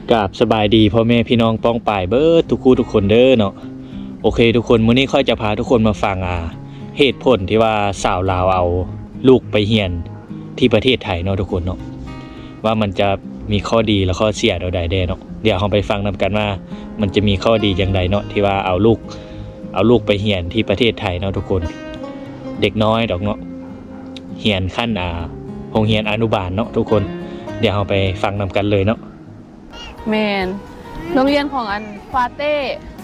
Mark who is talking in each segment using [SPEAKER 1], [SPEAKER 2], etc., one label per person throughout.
[SPEAKER 1] กราบสบายดีพ่อแม่พี่น้องป้องป่ายเบิดทุกคู่ทุกคนเด้อเนาะโอเคทุกคนมื้อนี้ค่อยจะพาทุกคนมาฟังเหตุผลที่ว่าสาวลาวเอาลูกไปเรียนที่ประเทศไทยเนาะทุกคนเนาะว่ามันจะมีข้อดีและข้อเสียใดๆเนาะเดี๋ยวเราไปฟังนำกันว่ามันจะมีข้อดีอย่างไรเนาะที่ว่าเอาลูกไปเรียนที่ประเทศไทยเนาะทุกคนเด็กน้อยดอกเนาะเรียนขั้นโรงเรียนอนุบาลเนาะทุกคนเดี๋ยวเราไปฟังนำกันเลยเนาะ
[SPEAKER 2] แมนโรงเรียนของอันฟาเต้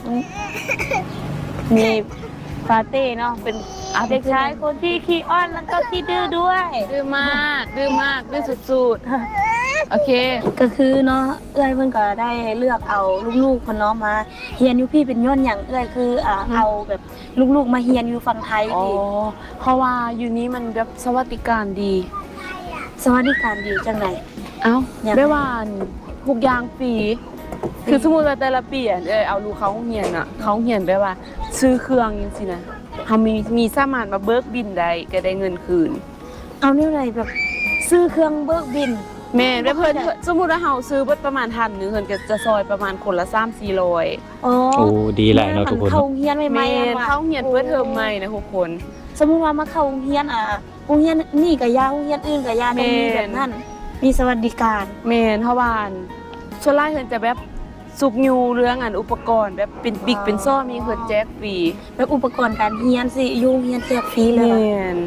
[SPEAKER 2] มีฟาเต้เนาะเป็นเด็กชายคนที่ขี้อ้อนแล้วก็ขี้ดื้อด้วยดื้อมากดื้อสุดๆโอเค
[SPEAKER 3] ก็คือเนาะเอื้อยเพิ่นก็ได้เลือกเอาลูกๆคนน้องมาเฮียนอยู่พี่เป็นย้อนอย่างเอื้อยคือเอาแบบลูกๆมาเฮียนอยู่ฝั่งไทย
[SPEAKER 2] นี่เพราะว่าอยู่นี้มันแบบสวัสดิการดี
[SPEAKER 3] สวัสดิการดีจังได๋
[SPEAKER 2] ได้ว่าทุกอย่างฟรีคือสมมุติว่าแต่ละปีเอาลูกเขาเรียนเขาเรียนได้ว่าซื้อเครื่องจังซี่นะเฮามีสามารถมาเบิกบินได้ก็ได้เงินคืน
[SPEAKER 3] เอาแนวใดแบบซื้อเครื่องเบิกบิน
[SPEAKER 2] แม่ได้เพิ่นสมมุติว่าเฮาซื้อประมาณ1,000นึงเพิ่นก็จะซอยประมาณคนละ 3-400
[SPEAKER 1] โอ้ดีหลายเนาะทุกคน
[SPEAKER 3] เข้าเรียนใหม่
[SPEAKER 2] ๆเข้าเรียนเปิดเทอมใหม่นะทุกคน
[SPEAKER 3] สมมุติว่ามาเข้าโรงเรียนโรงเรียนนี่ก็ยาโรงเรียนอื่นก็ยาต้องมีแบบนั้นมีสวัสดิการ
[SPEAKER 2] แม่นเฮาว่าส่วนหลายเพิ่นจะแบบสุกยูเรื่องอุปกรณ์แบบเป็นบิ๊กเป็นซ้อมีเพิ่นแจกฟรี
[SPEAKER 3] แบบอุปกรณ์การเรียนสิอยู่เรียนแจกฟรีเลย
[SPEAKER 2] แม่น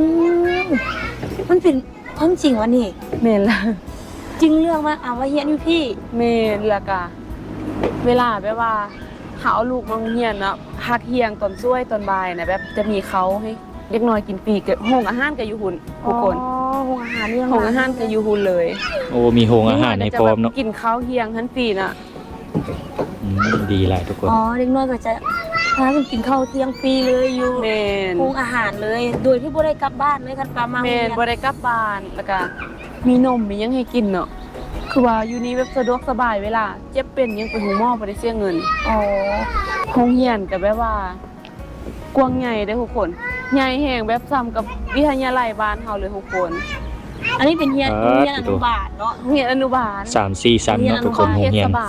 [SPEAKER 3] มันเป็นความจริงวะนี่
[SPEAKER 2] แม่นล่ะ
[SPEAKER 3] จริงเรื่องว่าว่าเรียนอยู่พี่
[SPEAKER 2] แม่นล่ะกะเวลาแบบว่าหาเอาลูกมาเรียนเนาะพักเที่ยงตอนช่วยตอนบ่ายนะแบบจะมีเขาให้เด็กน้อยกินฟรีก็โรงอาหารก็อยู่หุ่นทุกคน
[SPEAKER 3] โรงอาหารเนี่ย
[SPEAKER 2] โรงอาหารก็อยู่หุ่นเลย
[SPEAKER 1] โอ้มีโรงอาหารในพร้อมเนาะ
[SPEAKER 2] กินข้าวเที่ยงทันฟรีน่ะ
[SPEAKER 1] ดีหลายทุกคน
[SPEAKER 3] เด็กน้อยก็จะพากันกินข้าวเที่ยงฟรีเลยอยู่โรงอาหารเลยโดยที่บ่ได้กลับบ้านเลยคันปลามา
[SPEAKER 2] แม่นบ่ได้กลับบ้านแล้วก็มีนมมีหยังให้กินเนาะคือว่าอยู่นี่แบบสะดวกสบายเวลาเจ็บเป็นยังไปหูหมอบ่ได้เสียเงินโรงเรียนก็แบบว่ากว้างใหญ่เด้อทุกคนใหญ่แฮงแบบซ้ำกับวิทยาลัยบ้านเฮาเลยทุกคน
[SPEAKER 3] อันนี้เป็นเรียนอนุบาลเนาะ
[SPEAKER 2] เรียนอนุบาล
[SPEAKER 1] 3-4 ชั้นเนาะทุกคนโรงเรียน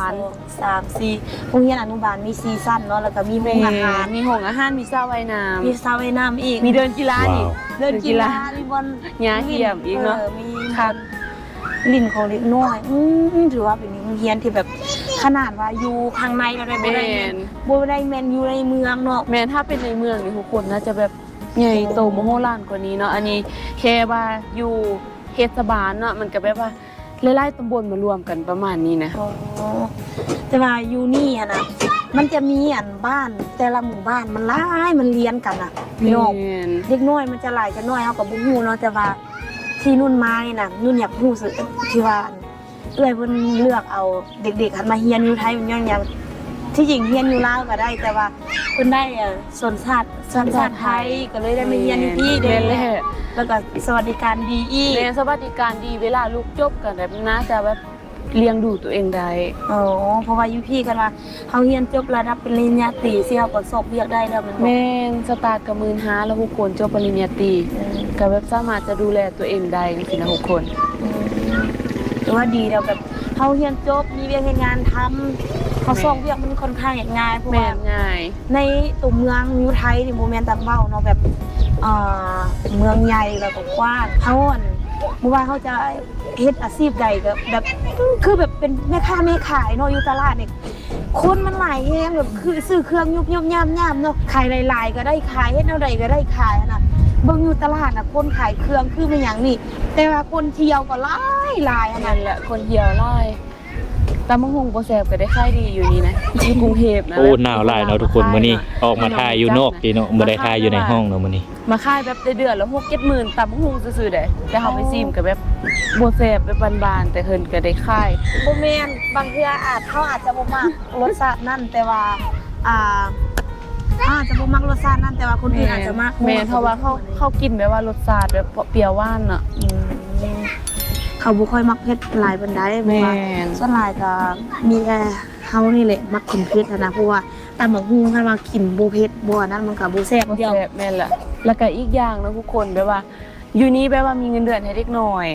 [SPEAKER 3] 3-4โรงเรียนอนุบาลมี4ชั้นเนาะแล้วก็มีโรงอาหาร
[SPEAKER 2] มีห้องอาหารมีสระว่ายน้ำ
[SPEAKER 3] มีสระว่ายน้ำอีก
[SPEAKER 2] มีเดินกีฬาอีก
[SPEAKER 3] เดินกีฬามีบอล
[SPEAKER 2] หญ้าเหี่ยมอีกเนาะ
[SPEAKER 3] มีครับลิ้นของเล็กน้อยถือว่าเป็นโรงเรียนที่แบบขนาดว่าอยู่ข้างในเราได้บ่ได้แม่นอยู่ในเมืองเนาะ
[SPEAKER 2] แม่นถ้าเป็นในเมืองนี่ทุกคนน่าจะแบบใหญ่โตมโหฬารกว่านี้เนาะอันนี้แค่ว่าอยู่เทศบาลเนาะมันก็แบบว่าหลายๆตำบลมารวมกันประมาณนี้นะ
[SPEAKER 3] แต่ว่าอยู่นี่นะมันจะมีบ้านแต่ละหมู่บ้านมันหลายมันเรียนกันพี่น้องเด็กน้อยมันจะหลายจะน้อยเฮาก็บ่ฮู้เนาะแต่ว่าที่นุ่นมานี่น่ะนุ่นอยากฮู้สึกที่ว่าเอื้อยเพิ่นเลือกเอาเด็กๆหันมาเรียนอยู่ไทยมันยังที่จริงเรียนอยู่ลาวก็ได้แต่ว่าเพิ่นได้สัญชาติไทยก็เลยได้มาเรียนอยู่พี่เด้แล้วก็สวัสดิการดีอีก
[SPEAKER 2] สวัสดิการดีเวลาลูกจบกันแบบน่าจะแบบเลี้ยงดูตัวเองได้
[SPEAKER 3] เพราะว่าอยู่พี่กันว่าเฮาเรียนจบระดับปริญญาตรีสิเฮาก็สอบเรียกได้แล้วมัน
[SPEAKER 2] แม่นสตาร์ทกับ15,000แล้วทุกคนจบปริญญาตรีก็แบบสามารถจะดูแลตัวเองได้จังซี่นะทุกคน
[SPEAKER 3] ถือว่าดีแล้วแบบเฮาเรียนจบมีเวียกงานทำเขาส่งเวียกมันค่อนข้างง่ายเพราะว่า
[SPEAKER 2] ง่าย
[SPEAKER 3] ในตัวเมืองอยู่ไทยนี่บ่แม่นตำเบ้าเนาะแบบเมืองใหญ่แล้วก็กว้างเฮาบ่ว่าเขาจะเฮ็ดอาชีพใดก็แบบคือแบบเป็นแม่ค้าแม่ขายเนาะอยู่ตลาดนี่คนมันหลายแฮงแบบคือซื้อเครื่องยุบๆย่ำๆเนาะขายหลายๆก็ได้ขายเฮ็ดแนวใดก็ได้ขายนะเบิ่งอยู่ตลาดน่ะคนขายเครื่องคือเป็นหยังนี่แต่ว่าคนเที่ยวก็หลาย
[SPEAKER 2] นั่นแหละคนเที่ยวหลายตำบักหุ่งบ่แซ่บก็ได้ขายดีอยู่นี่นะที่กรุงเทพนะ
[SPEAKER 1] โอ้หนาวหลายเนาะทุกคนมื้อนี้ออกมาถ่ายอยู่นอกพี่เนาะบ่ได้ถ่ายอยู่ในห้องเนาะมื้อนี้
[SPEAKER 2] มาขายแบบได้เดือนละ 6-7 หมื่นตำบักหุ่งซื่อๆได้แต่เฮาไปซิมก็แบบบ่แซ่บแบบบานๆแต่เพิ่นก็ได้ขาย
[SPEAKER 3] บ่แม่นบางเทื่อเขาอาจจะบ่มักรสชาตินั่นแต่ว่าอาจจะบ่มักรสชาตินั่นแต่ว่าคนอื่นอาจจะมัก
[SPEAKER 2] แม่นเพราะว่าเขากินแบบว่ารสชาติแบบเปรี้ยวหวานน่ะ
[SPEAKER 3] เขาบ่ค่อยมักเผ็ดหลายปานใดเพราะว่าส่วนหลายก็มีแค่เฮานี่แหละมักกินเผ็ดนะเพราะว่าตำบักหุ่งคันว่ากินบ่เผ็ดบ่นั้นมันก็บ่แซ่บเดียว
[SPEAKER 2] แม่นล่ะแล้วก็อีกอย่างนะทุกคนแบบว่าอยู่นี่แบบว่ามีเงินเดือนให้เด็กน้อย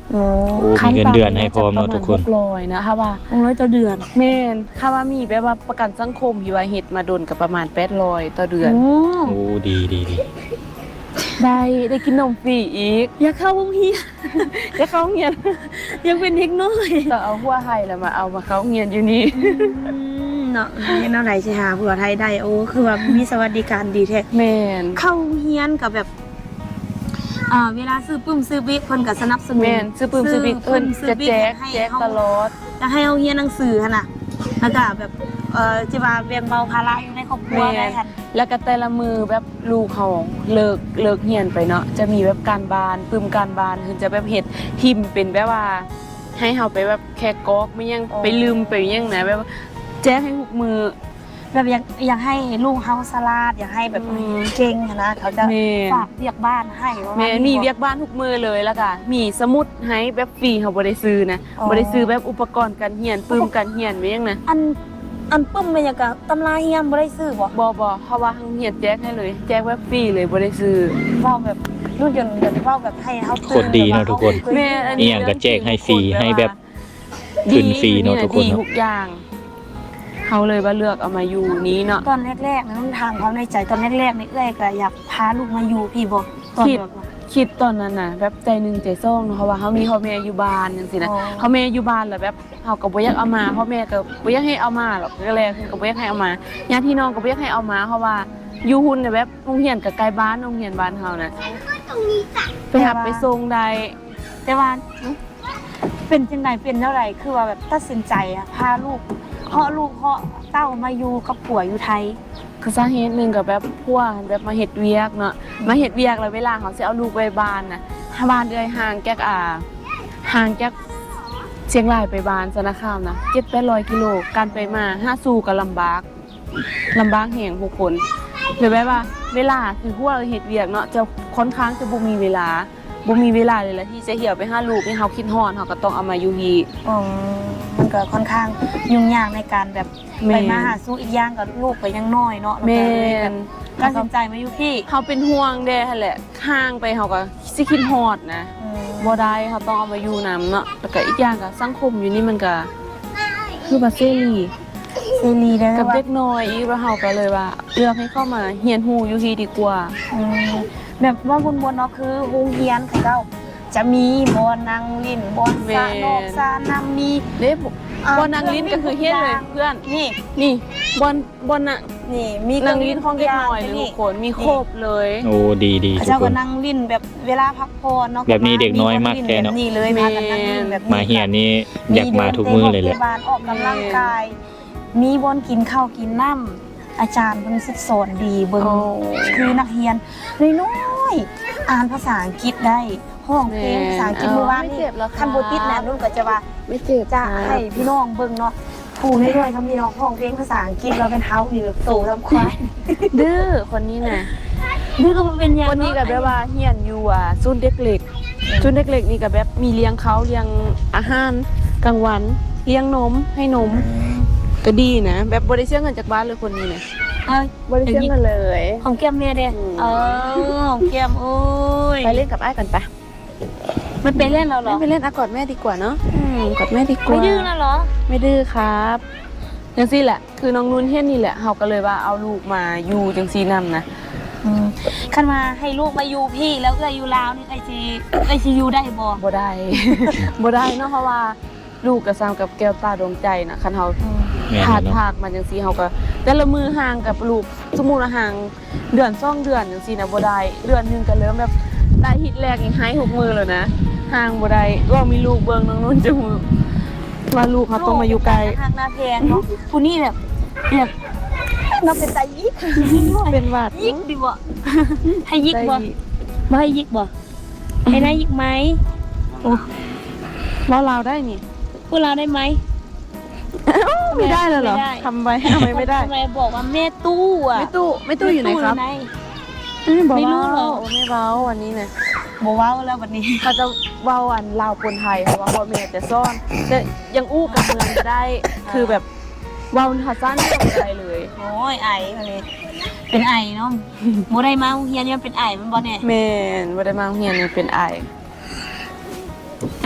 [SPEAKER 3] โอ้
[SPEAKER 1] โอ้มีเงินเดือนให้พร้อมเนาะทุกคน
[SPEAKER 2] ประมาณ600นะคะว่า
[SPEAKER 3] 600ต่อเดือน
[SPEAKER 2] แม่นค่าว่ามีแบบว่าประกันสังคมที่ว่าเฮ็ดมาโดนก็ประมาณ800ต่อเดือน
[SPEAKER 3] โอ้
[SPEAKER 1] โอ้ดีดีดี
[SPEAKER 2] ได้กินนมฟรีอีก
[SPEAKER 3] อยากเข้าโรงเรียน
[SPEAKER 2] ได้เข้าโรงเรียน
[SPEAKER 3] ยังเป็นเด็กน้อย
[SPEAKER 2] ต้องเอาหัวไห้แล้วมาเอามาเข้าโรงเรียนอยู่นี่
[SPEAKER 3] เนาะเนาะไหนสิหาผัวไทยได้โอ้คือว่ามีสวัสดิการดีแท้
[SPEAKER 2] แม่น
[SPEAKER 3] เข้าเฮียนกับแบบเวลาซื้อปึ้มซื้อบิ๊กเพิ่นก็สนับสนุน
[SPEAKER 2] แม่นซื้อปืนซื้อบิ๊กเพิ่นจะแจก
[SPEAKER 3] ให้
[SPEAKER 2] แจก
[SPEAKER 3] เฮา
[SPEAKER 2] ตลอด
[SPEAKER 3] จะให้เฮาเฮียนหนังสือหั่นน่ะแล้วก็แบบจะว่าแบ่งเบาภาระอยู่ในครอบครัวได้หั่น
[SPEAKER 2] แล้วก็แต่ละมือแบบลูกเขาเลิกเรียนไปเนาะจะมีแบบการบ้านปึมการบ้านคือจะแบบเฮ็ดทิมเป็นแบบว่า ให้เฮาไปแบบแค่กอกไม่ยังไปลืมไปยังนะแบบว่าแจ้งให้ทุกมือ
[SPEAKER 3] แบบอยากให้ลูกเฮาสลาดอยากให้แบบ
[SPEAKER 2] อืม
[SPEAKER 3] เก่งหั่นนะเขาจะ
[SPEAKER 2] แม่
[SPEAKER 3] ฝากเรียกบ้านให้ว่า
[SPEAKER 2] แม่มีเวียกบ้านทุกมือเลยแล้วก็มีสมุดให้แบบฟรีเฮาบ่ได้ซื้อนะบ่ได้ซื้อแบบอุปกรณ์การเรียนปึมการเรียนไว้ยังนะ
[SPEAKER 3] อันปึ้มเป็นหยังก็ตำราเฮียนบ่ได้ซื้อบ่
[SPEAKER 2] บ่เพราะว่าทางเรียนแจกให้เลย แจกแบบฟรีเลยบ่ได้ซื้อ
[SPEAKER 3] เว้าแบบรุ่นยนต์แบบเว้าแบบให้เฮา
[SPEAKER 1] โคตรดีเนาะทุกคน
[SPEAKER 2] แม่อัน
[SPEAKER 1] อี
[SPEAKER 2] นี้
[SPEAKER 1] หยังก็แจกให้ฟรี
[SPEAKER 2] เองจง
[SPEAKER 1] ให้แบบขึ้นฟรีเนาะทุกคน
[SPEAKER 2] ดี
[SPEAKER 1] เนาะ
[SPEAKER 2] ทุกอย่างเขาเลยว่าเลือกเอามาอยู่นี้เนาะ
[SPEAKER 3] ตอนแรกๆนะต้องถามความในใจตอนแรกๆนี่เอ้ยก็อยากพาลูกมาอยู่พี่บ่ตอน
[SPEAKER 2] คิด
[SPEAKER 3] แบบว่า
[SPEAKER 2] คิดตอนนั้นน่ะแบบใจหนึงใจซ่องเนาะเพราะว่าเขามีพ่อแม่อยู่บ้านจังซี่นะ
[SPEAKER 3] อ๋อ
[SPEAKER 2] พ่อแม่อยู่บ้านแล้วแบบเขาก็บ่อยากเอามาพ่อแม่ก็บ่อยากให้เอามาหรอกก็เลยก็บ่อยากให้เอามาญาติพี่น้องก็บ่อยากให้เอามาเพราะว่าอยู่หุ่นน่ะแบบโรงเรียนก็ใกล้บ้านโรงเรียนบ้านเฮานะไปหับไปส่งได้
[SPEAKER 3] แต่ว่าเป็นจังไดเป็นเท่าไหร่คือว่าแบบตัดสินใจอะพาลูกเพาะลูกเพาะเต้ามาอยู่กับผัวอยู่ไทย
[SPEAKER 2] คือสาเหตุหนึงก็แบบพวกแบบมาเฮ็ดเวียกเนาะมาเฮ็ดเวียกแล้วเวลาเขาสิเอาลูกไปบ้านน่ะถ้าบ้านเอ้ยห่างจากห่างจากเชียงรายไปบ้านสารคามนะ700-800กิโลการไปมาหาสู่ก็ลำบากแฮงผู้คนเลยแบบว่าเวลาคือพวกเราเฮ็ดเวียกเนาะจะค่อนข้างจะบ่มีเวลาเลยละที่จะเหี่ยวไปหาลูกให้เฮาคิดฮอดเฮาก็ต้องเอามาอยู่ฮี
[SPEAKER 3] อ๋อมันก็ค่อนข้างยุ่งยากในการแบบ
[SPEAKER 2] แม่
[SPEAKER 3] ไปมาหาสู้อีกอย่างกับลูกก็ยังน้อยเนาะ
[SPEAKER 2] แม่
[SPEAKER 3] แล้วก็เลยแบบตัดสินใจมาอยู่พี่
[SPEAKER 2] เฮาเป็นห่วงเด้หั่นแหละห่างไปเฮาก็สิคิดฮอดนะบ่ได้เขาต้องเอามาอยู่นํเนาะแล้วก็อีกอย่างก็สังคมอยู่นี่มันก็คือว่าเสรี
[SPEAKER 3] เซรีได้
[SPEAKER 2] กับ
[SPEAKER 3] ว่า
[SPEAKER 2] เด็กน้อยอีกแล้วเฮาก็เลยว่าเลือกให้เข้ามาเรียนรู้อยู่ฮีดีกว่า
[SPEAKER 3] อืมแบบว่าบนเนาะคือโรงเรียนของเราจะมีบอนนางลิ้นบอนสานอกสาน้ำมี
[SPEAKER 2] เด้บอนนางลิ้นก็คือเฮ็ดเลยเพื่อน
[SPEAKER 3] นี่
[SPEAKER 2] นี่บอนน่ะ
[SPEAKER 3] นี่มี
[SPEAKER 2] นางลิ้นของเด็กน้อยหรือทุกคนมีครบเลย
[SPEAKER 1] โอ้ดีดีทุก
[SPEAKER 3] เจ้า
[SPEAKER 1] ค
[SPEAKER 3] ก็
[SPEAKER 1] น
[SPEAKER 3] นั่งลิ้นแบบเวลาพักผ่อนเนาะ
[SPEAKER 1] แบบนี้เด็กน้อยมากแท้เนาะ
[SPEAKER 3] นี่เลยพากันนั่งลิ้นแบบนี้
[SPEAKER 1] มาเฮียนนี่อยากมาทุกมื้อเลยแหละ
[SPEAKER 3] มีดินเตะบอลออกกำลังกาย มีบอนกินข้าวกินน้ำอาจารย์เพิ่นสิสอนดีเบิ่ง
[SPEAKER 2] โอ้
[SPEAKER 3] คือนักเรียนน้อยๆอ่านภาษาอังกฤษได้ห้องเพลงภาษาอังกฤษเมื่อวาน
[SPEAKER 2] ไม่
[SPEAKER 3] นี่
[SPEAKER 2] เจ็บหรอกค่ะ
[SPEAKER 3] คันบ่ติดนะนุ่นก็จะว่า
[SPEAKER 2] ไม่เจ็บ
[SPEAKER 3] จะให้พี่น้องเบิ่งเนาะผู้น้อยๆเขามีน้องห้องเพลงภาษาอังกฤษเราเป็นเฮานี่แบบโตทำควาย
[SPEAKER 2] ดื้อคนนี้น่ะ
[SPEAKER 3] นี่ก็เป็นอย่าง
[SPEAKER 2] คนนี้ก็แบบว่าเฮียนอยู่ศูนย์เด็กเล็กศูนย์เด็กเล็กนี่ก็แบบมีเลี้ยงเขาเลี้ยงอาหารกลางวันเลี้ยงนมให้นมก็ดีนะแบบบ่ได้เสียเงินจากบ้านเลยคนนี้น่ะ
[SPEAKER 3] เอ้ย
[SPEAKER 2] บ่ได้เสียเงินเลย
[SPEAKER 3] ของแก้มแม่เด้
[SPEAKER 2] อืม
[SPEAKER 3] ของแก้มโอ้ย
[SPEAKER 2] ไปเล่นกับอ้ายกันปะ
[SPEAKER 3] มันไปเล่นแล้วเหรอ
[SPEAKER 2] ไม่ไปเล่นกอดแม่ดีกว่าเนาะกอดแม่ดีกว่า
[SPEAKER 3] ไม่ดื้อแล้วเหรอ
[SPEAKER 2] ไม่ดื้อครับจังซี่แหละคือน้องนุ่นเฮียนนี่แหละเฮาก็เลยว่าเอาลูกมาอยู่จังซี่นำนะ
[SPEAKER 3] คันมาให้ลูกมาอยู่พี่แล้วเอ้ยอยู่ลาวนี่ไอซีอยู่ได้บ่
[SPEAKER 2] บ่ได้ บ่ได้เนาะเพราะว่าลูกก็ซ้ำกับแก้วตาดวงใจนะคันเฮา
[SPEAKER 1] แม่น
[SPEAKER 2] ขาด
[SPEAKER 1] เนาะ
[SPEAKER 2] ภาคมาจังซี่เฮาก็แต่ละมือห่างกับลูกสมมุติว่าห่างเดือน2เดือนจังซี่นะบ่ได้เดือนหนึงก็เริ่มแบบได้ฮิตแรกนี่หายหกมือแล้วนะห่างบ่ได้ว่ามีลูกเบิ่งน้องนุ่นจะฮู้ว่าลูกเขาต้องมาอยู่ไกล
[SPEAKER 3] หักหน้าแพงเนาะผู้นี้แบบเราเป็นตายิก
[SPEAKER 2] เป็นหวัด
[SPEAKER 3] ยิกดิบ่ให้ยิกบ่บ่ให้ยิกบ่ให้ได้ยิกไหมโอ้
[SPEAKER 2] เว้าลาวได้นี่
[SPEAKER 3] พวกเราได้ไหม
[SPEAKER 2] ไม่ได้เลยเหรอ
[SPEAKER 3] ไม่ได้
[SPEAKER 2] ทำไว้ทำไมไม่ได้
[SPEAKER 3] ทำไมบอกว่าแม่ตู้อ่ะ
[SPEAKER 2] ไม่ตู้อยู่ไหนครับ
[SPEAKER 3] ไม่รู้หรอ
[SPEAKER 2] ไม่เว้าวันนี้นะ
[SPEAKER 3] บอกว่าแล้ววันนี้
[SPEAKER 2] เขาจะเว้าอันลาวคนไทยค่ะว่าพ่อแม่จะซ่อนแต่ยังอู้กับเมืองก็ได้ คือแบบเว้าภาษาไม่ต้องอะไรเลย
[SPEAKER 3] โอ้ยไอวันนี้เป็นไอเนาะโมได้มาโรงเรียนเนี่ยเป็นไอมันบ่เนี่ย
[SPEAKER 2] แม่นบ่ได้มาโรงเรียนนี่เป็นไอ
[SPEAKER 3] แต่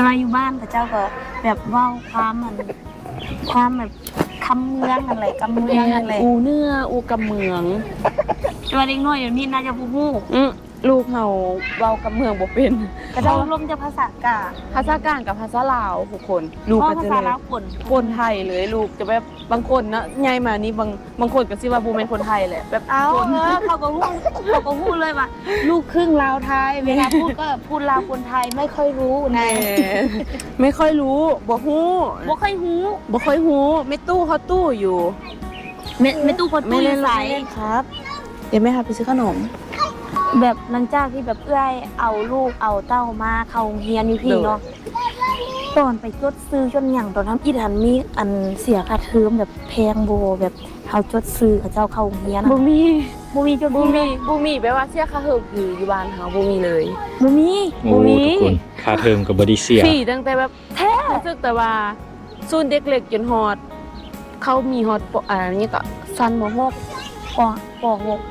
[SPEAKER 3] แต่ว่าอยู่บ้านเขาเจ้าก็แบบเว้าความแบบคำเมืองอะไรกำเมืองอะไร
[SPEAKER 2] อูเนื้ออูกำเมือง
[SPEAKER 3] แต่ว่าเด็กน้อยเดี๋ยวนี้น่าจะบ่ฮู้
[SPEAKER 2] ลูกเฮาเว้ากำเมืองบ่เป็น
[SPEAKER 3] ก็เจ้าลมจะภาษากลาง
[SPEAKER 2] ภาษากลางกับภาษาลาวทุกคนลูก
[SPEAKER 3] เพ
[SPEAKER 2] ก็
[SPEAKER 3] ราะภา
[SPEAKER 2] จะ
[SPEAKER 3] ษา
[SPEAKER 2] เลย
[SPEAKER 3] ลาวปน
[SPEAKER 2] คนไทยเลยลูกจะแบบบางคนนะใหญ่มานี่บางคนก็สิว่าบ่แม่นคนไทยแหละแบบ
[SPEAKER 3] เอาเขาก็ฮู้เลยว่าลูกครึ่งลาวไทยเวลาพูดก็พูดลาวคนไทยไม่ค่อยรู้นะ
[SPEAKER 2] ไม่ค่อยรู้บ่ฮู้
[SPEAKER 3] บ่ค่อยฮู้
[SPEAKER 2] บ่ค่อยฮู้ไม่ตู้เขาตู้อยู่
[SPEAKER 3] ไม่ตู้คนตู้อยู่ไส
[SPEAKER 2] ครับ เดี๋ยวแม่พาไปซื้อขนม
[SPEAKER 3] แบบหลังจากที่แบบเอื้อยเอาลูกเอาเต้ามาเข้าโรงเรียนอยู่พี่เนาะตอนไปจดซื้อจนหยังตอนนั้นอีทันมีอันเสียค่าเทอมแบบแพงโบแบบเฮาจดซื้อเขาเจ้าเข้าโรงเรียน
[SPEAKER 2] บ่มี
[SPEAKER 3] บ่มีจด
[SPEAKER 2] บ่
[SPEAKER 3] บ่
[SPEAKER 2] มี
[SPEAKER 3] มี
[SPEAKER 2] บ่มีแปลว่าเสียค่าเทอมคืออยู่บ้านเฮาบ่มีเลย
[SPEAKER 3] บ่มี
[SPEAKER 1] โอ้ทุกคนค่าเทอมก็บ่ได้เสีย
[SPEAKER 2] ฟรีตั้งแต่แบบแท้รู้สึกแต่ว่าศูนย์เด็กเล็กจนฮอดเขามีฮอดนี้ก็ซันม .6
[SPEAKER 3] ป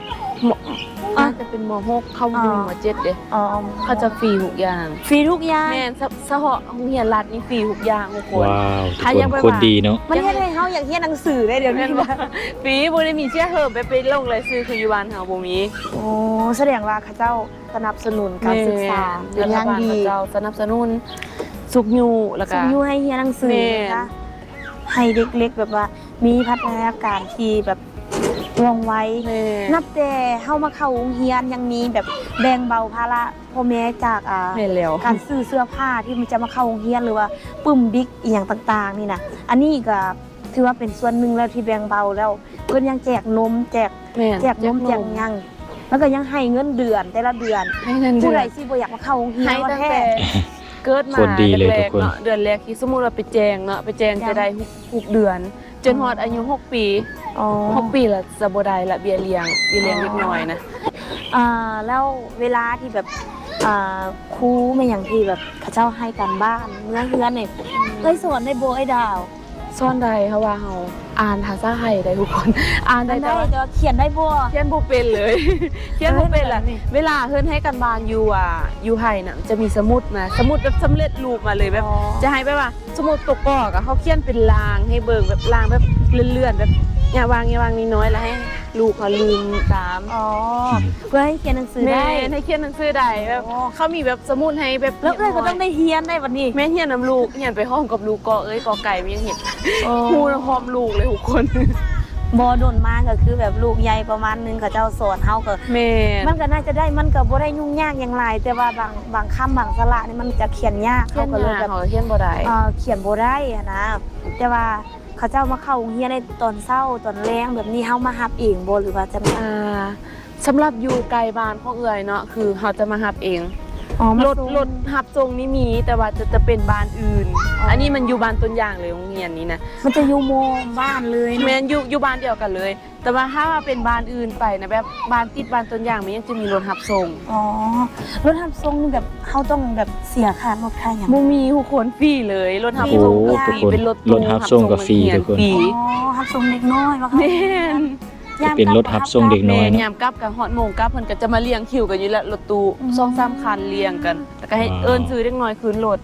[SPEAKER 3] .6
[SPEAKER 2] อาจจะเป็นม .6 เข้าอยู่ม .7 เด้
[SPEAKER 3] อ๋อ
[SPEAKER 2] เขาจะฟรีทุกอย่าง
[SPEAKER 3] ฟรีทุกอย่าง
[SPEAKER 2] แม่นสหโรงเรียนรัฐนี่ฟรีทุกอย่างทุกคน
[SPEAKER 1] ว้าว
[SPEAKER 2] ถ้า
[SPEAKER 1] ทุ
[SPEAKER 2] ยั
[SPEAKER 1] ก
[SPEAKER 2] ง
[SPEAKER 1] ค
[SPEAKER 2] ไป
[SPEAKER 1] นโคตรดีเนาะ
[SPEAKER 3] มันเฮ็ดให้เฮาอยากเรียนหนังสือได้เดี๋ยวนี้นะ
[SPEAKER 2] ฟรีบ่ได้มีเสียเหิมไปลงเลยซื้อคืออยู่บ้านเฮาบ่มี
[SPEAKER 3] โอ้แสดงว่าเขาเจ้าสนับสนุนการศึกษาเป็นอย่างดี
[SPEAKER 2] รัฐบาลเจ้าสนับสนุนสุขอยู่แล้วก็
[SPEAKER 3] ส่งอยู่ให้เรียนหนังสือ
[SPEAKER 2] แม่
[SPEAKER 3] นะคะให้เด็กเล็กแบบว่ามีพัฒนาการที่แบบว่องไว
[SPEAKER 2] แม่
[SPEAKER 3] นับแต่เฮามาเข้าโรงเรียนยังมีแบบแบ่งเบาภาระพ่อแม่จาก
[SPEAKER 2] แม่นแล้ว
[SPEAKER 3] การซื้อเสื้อผ้าที่มันจะมาเข้าโรงเรียนหรือว่าปึ้มบิ๊กอีหยังต่างๆนี่นะอันนี้ก็ถือว่าเป็นส่วนหนึ่งแล้วที่แบ่งเบาแล้วเพิ่นยังแจกนมแจก
[SPEAKER 2] แม่น
[SPEAKER 3] แจกหยังแล้วก็ยังให้เงินเดือนแต่ละเดือน
[SPEAKER 2] ให้เงินเดื
[SPEAKER 3] ผู้
[SPEAKER 2] อน
[SPEAKER 3] ใดที่บ่อยากมาเข้าโรงเรียน
[SPEAKER 2] ให้
[SPEAKER 3] ว่า
[SPEAKER 2] ตั้ง
[SPEAKER 3] แท้
[SPEAKER 2] แต่เกิดมา
[SPEAKER 1] คนดีเลย
[SPEAKER 2] แร
[SPEAKER 1] ทุ
[SPEAKER 2] ก
[SPEAKER 1] กคน
[SPEAKER 2] ๆเนาะเดือนแรกที่สมมุติว่าไปแจงเนาะไปแจงจะได้6เดือน จนฮอดอายุ6 ปี
[SPEAKER 3] อ๋อ
[SPEAKER 2] 6 ปีละจะบ่ได้ละเบี้ยเลี้ยงเล็กน้อยนะ
[SPEAKER 3] แล้วเวลาที่แบบครูไม่อย่างที่แบบเขาเจ้าให้การบ้านเมื่อเฮือนเนี่ยได้สอนได้โบไอ้ดาว
[SPEAKER 2] ซ่อนใดเพราะว่าเฮาอ่านภาษาไทยได้ทุกคน อ่านได้
[SPEAKER 3] ได้
[SPEAKER 2] แต่ว่า
[SPEAKER 3] แต่ว่าเขียนได้บ่
[SPEAKER 2] เขียนบ่เป็นเลย เขียนบ่เป็นล่ะเวลาเพิ่นให้กันบ้านอยู่ไทยน่ะจะมีสมุดมาสมุดแบบสำเร็จรูปมาเลยแบบ จะให้แบบว่าสมุดตกกอกอะเขาเขียนเป็นรางให้เบิ่งแบบรางแบบเลื่อนๆแบบอย่าวางน้อยๆแล้วให้ลูกเขาลืมตาม
[SPEAKER 3] อ๋อเพื่อให้เขียนหนังสือ
[SPEAKER 2] แม่
[SPEAKER 3] ได้
[SPEAKER 2] ให้เขียนหนังสือได้แบบเขามีแบบสมุดให้แบบ
[SPEAKER 3] แล้วก็ต้องได้เฮียนได้วันนี้
[SPEAKER 2] แม่เฮียนนำลูกเฮียนไปห้องกับลูกกอเอ้ยกอไก่มันยังเห็น ครูพร้อมลูกเลยทุกคน
[SPEAKER 3] บอโดนมากก็คือแบบลูกใหญ่ประมาณนึงเขาเจ้าสอนเฮาก็
[SPEAKER 2] แม่
[SPEAKER 3] มันก็น่าจะได้มันก็บ่ได้ยุ่งยากอย่างไรแต่ว่าบางคำบางสระนี่มันจะเขียนยาก
[SPEAKER 2] เขีย
[SPEAKER 3] เขา
[SPEAKER 2] น
[SPEAKER 3] ก็เลย
[SPEAKER 2] ยาก
[SPEAKER 3] แบบ
[SPEAKER 2] เขาเขียนบ่ได้
[SPEAKER 3] เขียนบ่ได้อะนะแต่ว่าเขาเจ้ามาเข้าโรงเรียนในตอนเช้าตอนแรงแบบนี้เฮามารับเองบ่หรือว่าจะมา
[SPEAKER 2] สำหรับอยู่ไกลบ้านของเอื่อยเนาะคือเขาจะมารับเอง
[SPEAKER 3] อ๋อมาร
[SPEAKER 2] ถรับส่งนี่มีแต่ว่าจะเป็นบ้านอื่น
[SPEAKER 3] อ๋ออั
[SPEAKER 2] อันนี้มันอยู่บ้านต้นอย่างเลยโรงเรียนนี้นะ
[SPEAKER 3] มันจะอยู่โมบ้านเลยนะ
[SPEAKER 2] แม่นอยู่บ้านเดียวกันเลย แต่ว่าถ้าว่าเป็นบ้านอื่นไปนะแบบบ้านติดบ้านต้นอย่างมันยังจะมีรถรับส่ง
[SPEAKER 3] อ๋อรถทับทรงนี่แบบเฮาต้องแบบเสียค่ารถค่าหยัง
[SPEAKER 2] บ่มีทุกคนฟรีเลยรถรับ
[SPEAKER 1] โอ้
[SPEAKER 2] ส่งก็ฟ
[SPEAKER 1] ทุ
[SPEAKER 2] รี
[SPEAKER 1] กคน
[SPEAKER 2] เป็นรถ
[SPEAKER 1] รถรับส่งก็ฟรีทุกคน
[SPEAKER 2] ฟรี
[SPEAKER 3] อ๋อทับทรงเด็กน้อยว่าเขา
[SPEAKER 2] แม่น
[SPEAKER 1] เป็นรถรับส่งเด็กน้อย
[SPEAKER 2] แม่
[SPEAKER 1] เนาะ
[SPEAKER 2] ยามกลับกับฮอดโมงกลับเพิ่นก็จะมาเรียงคิวกันอยู่แล้วรถตู้2-3คันเรียงกันแล้วก็ให้เอิ้นซื้อเด็กน้อยคืนรถ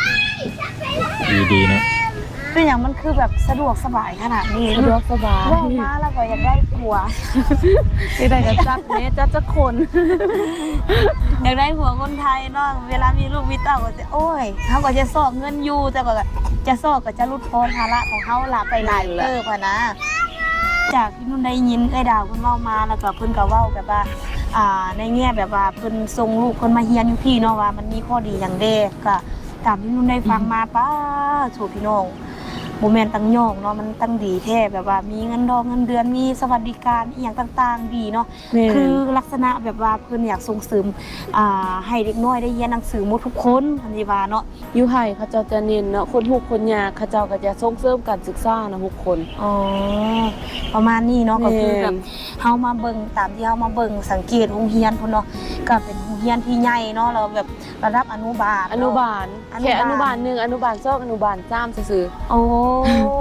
[SPEAKER 1] ดีๆเนาะ
[SPEAKER 3] เป็นอย่างมันคือแบบสะดวกสบายขนาดนี้
[SPEAKER 2] สะดวกสบาย
[SPEAKER 3] ว่ามาแล้วก็อยากได้ผัว
[SPEAKER 2] ได้ก็จัดแม่จัดจักคน
[SPEAKER 3] อยากได้ผัวคนไทยเนาะเวลามีลูกมีเต้าก็จะโอ้ยเขาก็จะสอกเงินอยู่แต่ก็จะสอกก็จะรุดพ้นภาระของเขาละไปหลายเติบอะนะ จากที่นุ่นได้ยินไอ้ดาวเพิ่นเว้ามาแล้วก็เพิ่นก็เว้าแบบว่าในแง่แบบว่าเพิ่นส่งลูกเพิ่นมาเรียนอยู่พี่เนาะว่ามันมีข้อดีอย่างเด้ก็ตามที่นุ่นได้ฟังมาป้าโถพี่น้องบ่แม่นตั้งย่องเนาะมันตั้งดีแท้แบบว่ามีเงินดอกเงินเดือนมีสวัสดิการอีหยังต่างๆดีเนาะคือลักษณะแบบว่าเพิ่นอยากส่งเสริมให้เด็กน้อยได้เรียนหนังสือหมดทุกคนทันทีว่าเนาะ
[SPEAKER 2] อยู่ไทยเขาเจ้าจะเน้นเนาะคนทุกข์คนยากเขาเจ้าก็จะส่งเสริมการศึกษานะทุกคน
[SPEAKER 3] อ๋อประมาณนี้เนาะก็คือ
[SPEAKER 2] แม่น
[SPEAKER 3] แบบเฮามาเบิ่งตามที่เฮามาเบิ่งสังเกตโรงเรียนพุ่นเนาะก็เป็นโรงเรียนที่ใหญ่เนาะแล้วแบบระดับอนุบาล
[SPEAKER 2] อนุบาล
[SPEAKER 3] อนุบาล
[SPEAKER 2] แค่อนุบาล1อนุบาล2อนุบาล3ซื่อ
[SPEAKER 3] โอ้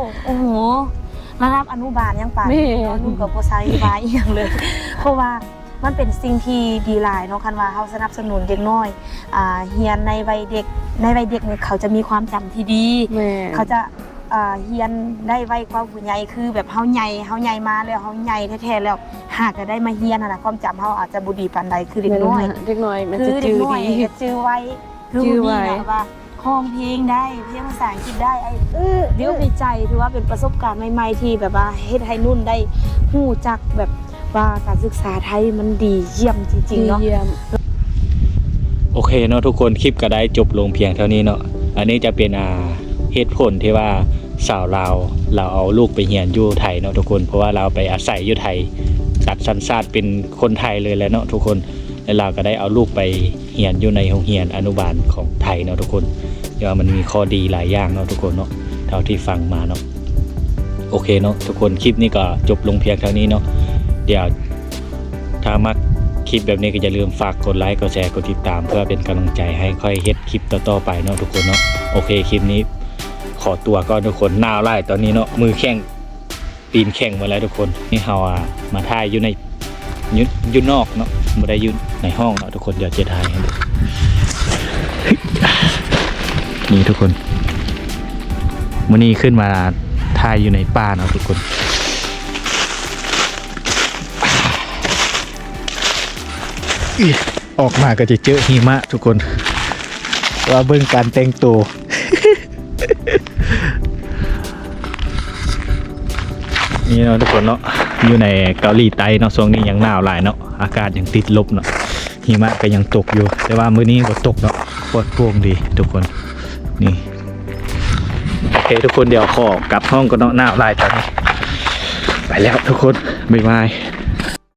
[SPEAKER 3] โอ้โหระดับอนุบาลยังป่าน
[SPEAKER 2] แม่
[SPEAKER 3] เนาะนุ่นกับบ่ใช้บายอีหยังเลย เพราะว่ามันเป็นสิ่งที่ดีหลายเนาะคันว่าเฮาสนับสนุนเด็กน้อยเรียนในวัยเด็กเนี่ยเขาจะมีความจำที่ดี
[SPEAKER 2] แม่
[SPEAKER 3] เขาจะเรียนได้ไวกว่าผู้ใหญ่คือแบบเฮาใหญ่มาแล้วเฮาใหญ่แท้ๆแล้วหากจะได้มาเรียนน่ะความจำเฮาอาจจะบ่ดีปานใดคือเด็กน้อย
[SPEAKER 2] เด็กน้อยมัน
[SPEAKER 3] คื
[SPEAKER 2] จะ
[SPEAKER 3] อเด็
[SPEAKER 2] จื
[SPEAKER 3] ก
[SPEAKER 2] ด
[SPEAKER 3] น้อย
[SPEAKER 2] ดี
[SPEAKER 3] จะจื้อไว้คือ
[SPEAKER 2] จื้อไว้
[SPEAKER 3] มีแบบว่าห้องเพลงได้เพลงภาษาอังกฤษได้เดี๋ยวดีใจถือว่าเป็นประสบการณ์ใหม่ๆที่แบบว่าเฮ็ดให้นุ่นได้ฮู้จักแบบว่าการศึกษาไทยมันดีเยี่ยมจริงๆเนาะ
[SPEAKER 2] เยี่ยม
[SPEAKER 1] โอเคเนาะทุกคนคลิปก็ได้จบลงเพียงเท่านี้เนาะอันนี้จะเป็นเหตุผลที่ว่าสาวลาวเราเอาลูกไปเรียนอยู่ไทยเนาะทุกคนเพราะว่าเราไปอาศัยอยู่ไทยตัดสัญชาติเป็นคนไทยเลยแหละเนาะทุกคนแล้วเราก็ได้เอาลูกไปเรียนอยู่ในโรงเรียนอนุบาลของไทยเนาะทุกคนเดี๋ยวมันมีข้อดีหลายอย่างเนาะทุกคนเนาะเท่าที่ฟังมาเนาะโอเคเนาะทุกคนคลิปนี้ก็จบลงเพียงเท่านี้เนาะเดี๋ยวถ้ามักคลิปแบบนี้ก็อย่าลืมฝากกดไลค์กดแชร์กดติดตามเพื่อเป็นกำลังใจให้ค่อยเฮ็ดคลิปต่อๆไปเนาะทุกคนเนาะโอเคคลิปนี้ขอตัวก่อนทุกคนหนาวไล่ตอนนี้เนาะมือแข้งตีนแข้งมาแล้วทุกคนนี่เฮามาถ่ายอยู่ในอยู่นอกเนาะไม่ได้อยู่ในห้องเนาะทุกคนเดี๋ยวจะถ่ายให้ดูนี่ทุกคนมื้อนี้ขึ้นมาถ่ายอยู่ในป่าเนาะทุกคนออกมาก็จะเจอหิมะทุกคนว่าเบิ่งการแต่งตัว นี่เนาะทุกคนเนาะอยู่ในเกาหลีใต้เนาะช่วงนี้ยังหนาวหลายเนาะอากาศยังติดลบเนาะหิมะก็ยังตกอยู่แต่ว่ามื้อนี้ก็ตกเนาะปลอดโปร่งดีทุกคนนี่โอเคทุกคนเดี๋ยวขอกลับห้องก็เนาะหนาวหลายตอนนี้ไปแล้วทุกคนบ๊ายบาย